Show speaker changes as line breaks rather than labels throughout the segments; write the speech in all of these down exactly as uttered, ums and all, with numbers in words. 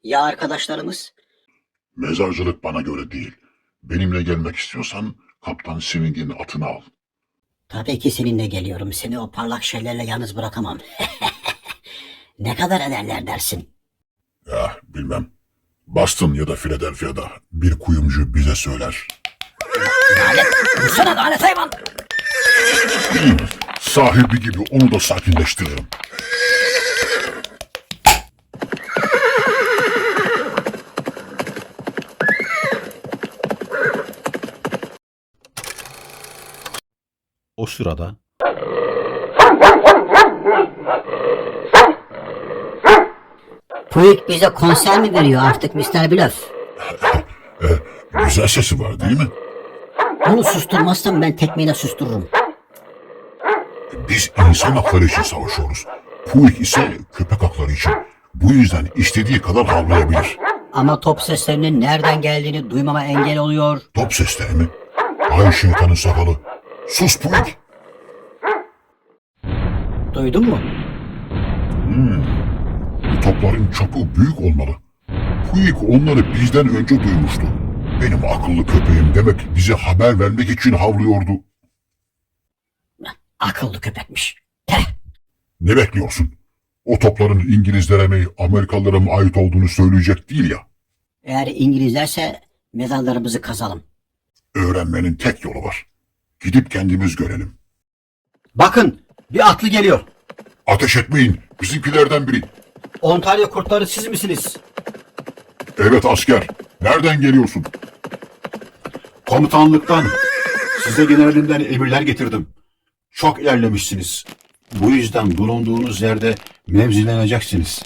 Ya arkadaşlarımız?
Mezarcılık bana göre değil. Benimle gelmek istiyorsan Kaptan Swing'in atını al.
Tabii ki seninle geliyorum. Seni o parlak şeylerle yalnız bırakamam. Ne kadar ederler dersin?
Ya bilmem. Boston ya da Philadelphia'da bir kuyumcu bize söyler.
Lanet! Vursana lanet hayvan!
Sahibi gibi onu da sakinleştiririm.
O sırada
Puig bize konser mi veriyor artık mister Bluff?
E, güzel sesi var değil mi?
Onu susturmazsam ben tekmeyle sustururum.
Biz insan hakları için savaşıyoruz. Puig ise köpek hakları için. Bu yüzden istediği kadar havlayabilir.
Ama top seslerinin nereden geldiğini duymama engel oluyor.
Top sesleri mi? Ay şeytanın sakalı. Sus Puig.
Duydun mu?
Bu topların çapı büyük olmalı. Puig onları bizden önce duymuştu. Benim akıllı köpeğim demek bize haber vermek için havlıyordu.
Akıllı köpekmiş. Heh.
Ne bekliyorsun? O topların İngilizlere mi Amerikalılara mı ait olduğunu söyleyecek değil ya.
Eğer İngilizlerse mezarlarımızı kazalım.
Öğrenmenin tek yolu var. Gidip kendimiz görelim.
Bakın, bir atlı geliyor.
Ateş etmeyin. Bizimkilerden biri.
Ontario kurtları siz misiniz?
Evet asker. Nereden geliyorsun?
Komutanlıktan. Size generalimden emirler getirdim. Çok ilerlemişsiniz. Bu yüzden bulunduğunuz yerde mevzileneceksiniz.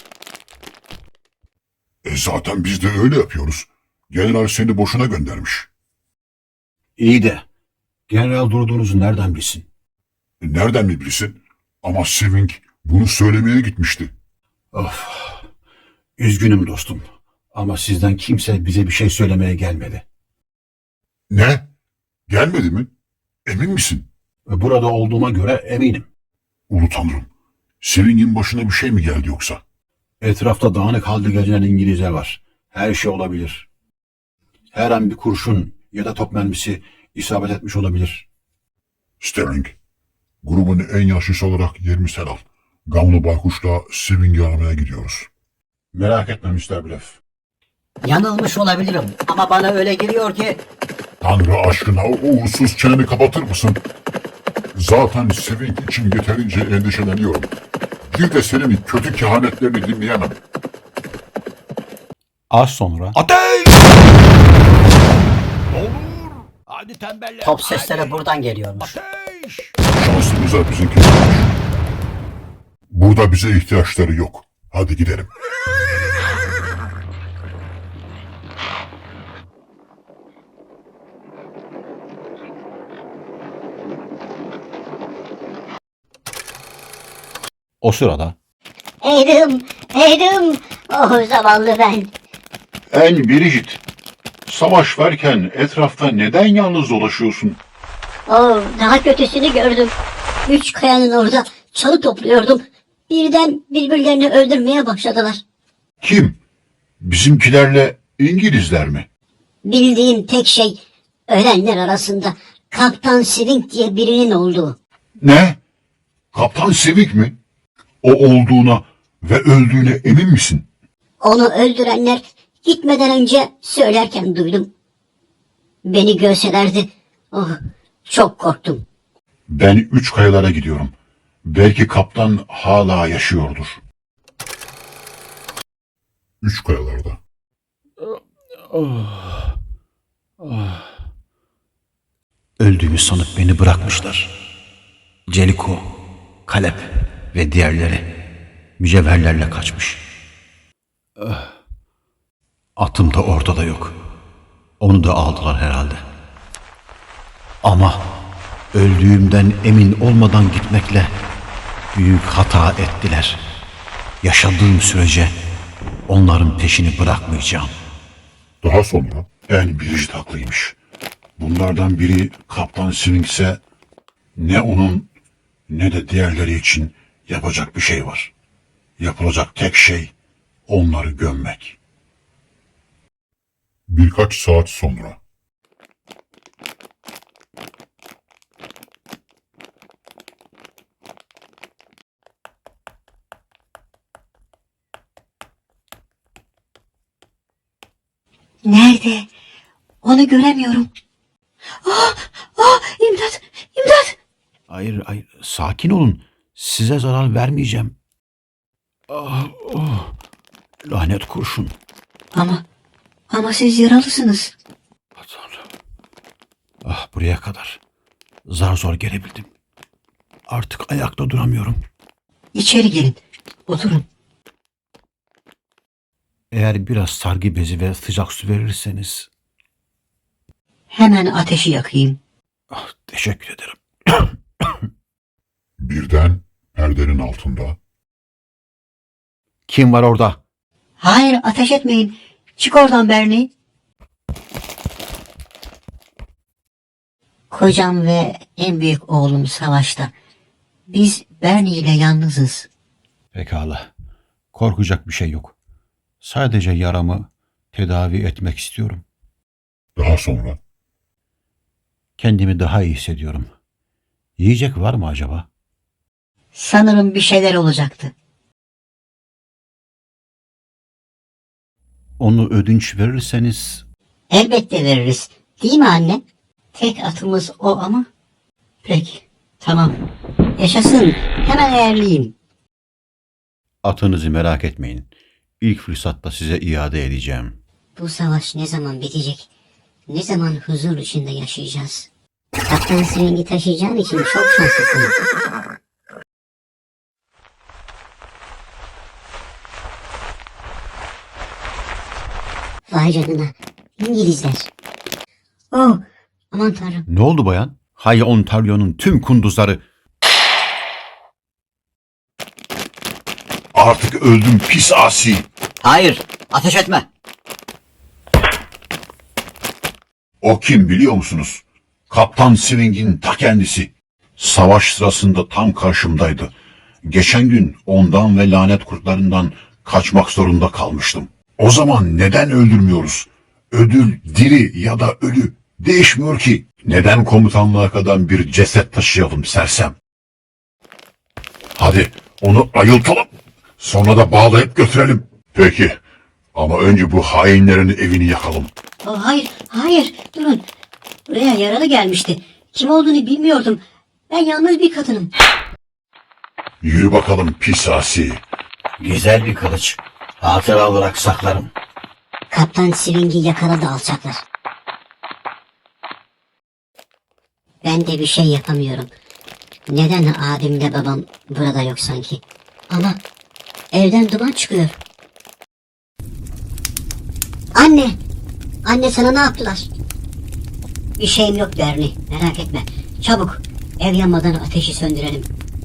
E zaten biz de öyle yapıyoruz. General seni boşuna göndermiş.
İyi de, general durduğunuzu nereden bilsin?
E nereden mi bilsin? Ama Swing bunu söylemeye gitmişti.
Of, üzgünüm dostum. Ama sizden kimse bize bir şey söylemeye gelmedi.
Ne? Gelmedi mi? Emin misin?
Ve burada olduğuma göre eminim.
Ulu Tanrım. Swing'in başına bir şey mi geldi yoksa?
Etrafta dağınık halde gezen İngilizler var. Her şey olabilir. Her an bir kurşun ya da top mermisi isabet etmiş olabilir.
Sterling, grubun en yaşlısı olarak yerimi sen al. Gamlı Baykuş'la Swing'i aramaya gidiyoruz.
Merak etme mister Bluff.
Yanılmış olabilirim ama bana öyle geliyor ki
Tanrı aşkına o uğursuz çeneni kapatır mısın? Zaten Swing için yeterince endişeleniyorum. Bir de senin kötü kehanetlerini dinleyemem.
az sonra
Ateş! Olur. Hadi tembeller.
top sesleri
hadi.
buradan geliyormuş.
Ateş!
Şansımıza bizimkiler. Burada bize ihtiyaçları yok. Hadi gidelim.
o sırada
Edim, Edim, oh zavallı ben.
En Bridget, savaş varken etrafta neden yalnız dolaşıyorsun?
Oh, daha kötüsünü gördüm. Üç kayanın orada çalı topluyordum. Birden birbirlerini öldürmeye başladılar.
Kim? Bizimkilerle İngilizler mi?
Bildiğim tek şey ölenler arasında Kaptan Swing diye birinin olduğu.
Ne? Kaptan Swing mi? O olduğuna ve öldüğüne emin misin?
Onu öldürenler gitmeden önce söylerken duydum. Beni görselerdi. Oh, çok korktum.
Ben üç kayalara gidiyorum. Belki kaptan hala yaşıyordur. Üç kayalarda.
Öldüğümü sanıp beni bırakmışlar. Celiko, Kalep ve diğerleri mücevherlerle kaçmış. Atım da ortada yok. Onu da aldılar herhalde. Ama öldüğümden emin olmadan gitmekle büyük hata ettiler. Yaşadığım sürece onların peşini bırakmayacağım.
Daha sonra en Bridget haklıymış. Bunlardan biri Kaptan Swing ise ne onun ne de diğerleri için yapacak bir şey var. Yapılacak tek şey onları gömmek. Birkaç saat sonra.
Nerede? Onu göremiyorum. Ah, ah, imdat, imdat.
Hayır, hayır. Sakin olun. Size zarar vermeyeceğim. Ah, oh. Lanet kurşun.
Ama, ama siz yaralısınız.
Ah, Tanrım. Ah, buraya kadar. Zar zor gelebildim. Artık ayakta duramıyorum.
İçeri gelin, oturun.
Eğer biraz sargı bezi ve sıcak su verirseniz...
Hemen ateşi yakayım.
Ah, teşekkür ederim.
Birden perdenin altında
Kim var orada?
Hayır, ateş etmeyin. Çık oradan Bernie. Kocam ve en büyük oğlum savaşta. Biz Bernie ile yalnızız.
Pekala. Korkacak bir şey yok. Sadece yaramı tedavi etmek istiyorum.
daha sonra
Kendimi daha iyi hissediyorum. Yiyecek var mı acaba?
Sanırım bir şeyler olacaktı.
Onu ödünç verirseniz
Elbette veririz. Değil mi anne? Tek atımız o ama. Peki, tamam. Yaşasın. Hemen ayarlayayım.
atınızı merak etmeyin. İlk fırsatta size iade edeceğim.
Bu savaş ne zaman bitecek? Ne zaman huzur içinde yaşayacağız? Kaptan Swing'i taşıyacağın için çok şanslısın. Vay canına. İngilizler. Oh, aman tanrım.
Ne oldu bayan? Hay Ontario'nun tüm kunduzları.
Artık öldüm pis asi.
Hayır, ateş etme.
O kim biliyor musunuz? Kaptan Swing'in ta kendisi. Savaş sırasında tam karşımdaydı. Geçen gün ondan ve lanet kurtlarından kaçmak zorunda kalmıştım. O zaman neden öldürmüyoruz? Ödül diri ya da ölü değişmiyor ki. Neden komutanlığa kadar bir ceset taşıyalım sersem? Hadi onu ayıltalım. Sonra da bağlayıp götürelim. Peki. Ama önce bu hainlerin evini yakalım.
Oh, hayır, hayır. Durun. Buraya yaralı gelmişti. Kim olduğunu bilmiyordum. Ben yalnız bir kadınım.
Yürü bakalım pis asi.
Güzel bir kılıç. Hatıra olarak saklarım.
Kaptan Swing'i yakaladı alçaklar. Ben de bir şey yapamıyorum. Neden abimle babam burada yok sanki? Ama evden duman çıkıyor. Anne! Anne sana ne yaptılar? Bir şeyim yok Bernie, merak etme. Çabuk, ev yanmadan ateşi söndürelim.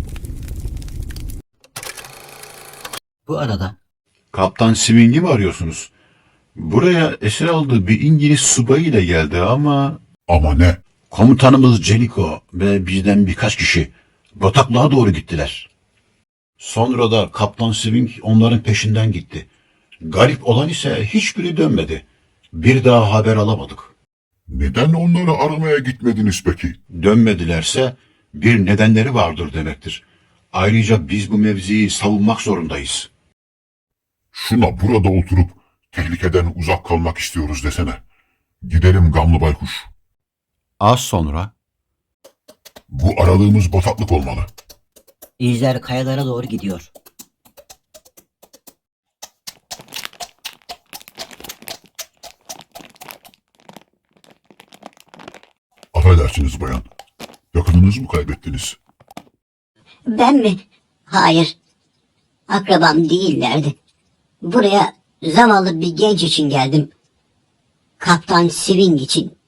Bu arada
Kaptan Swing'i mi arıyorsunuz? Buraya esir aldığı bir İngiliz subayı ile geldi ama...
ama ne?
Komutanımız Jellico ve bizden birkaç kişi bataklığa doğru gittiler. Sonra da Kaptan Swing onların peşinden gitti. Garip olan ise hiçbiri dönmedi. Bir daha haber alamadık.
Neden onları aramaya gitmediniz peki?
Dönmedilerse bir nedenleri vardır demektir. Ayrıca biz bu mevziyi savunmak zorundayız.
Şuna burada oturup tehlikeden uzak kalmak istiyoruz desene. Gidelim gamlı baykuş.
Az sonra
Bu aradığımız bataklık olmalı.
izler kayalara doğru gidiyor.
Affedersiniz bayan. Yakınınızı mı kaybettiniz?
Ben mi? Hayır. Akrabam değillerdi. Buraya zavallı bir genç için geldim. Kaptan Swing için.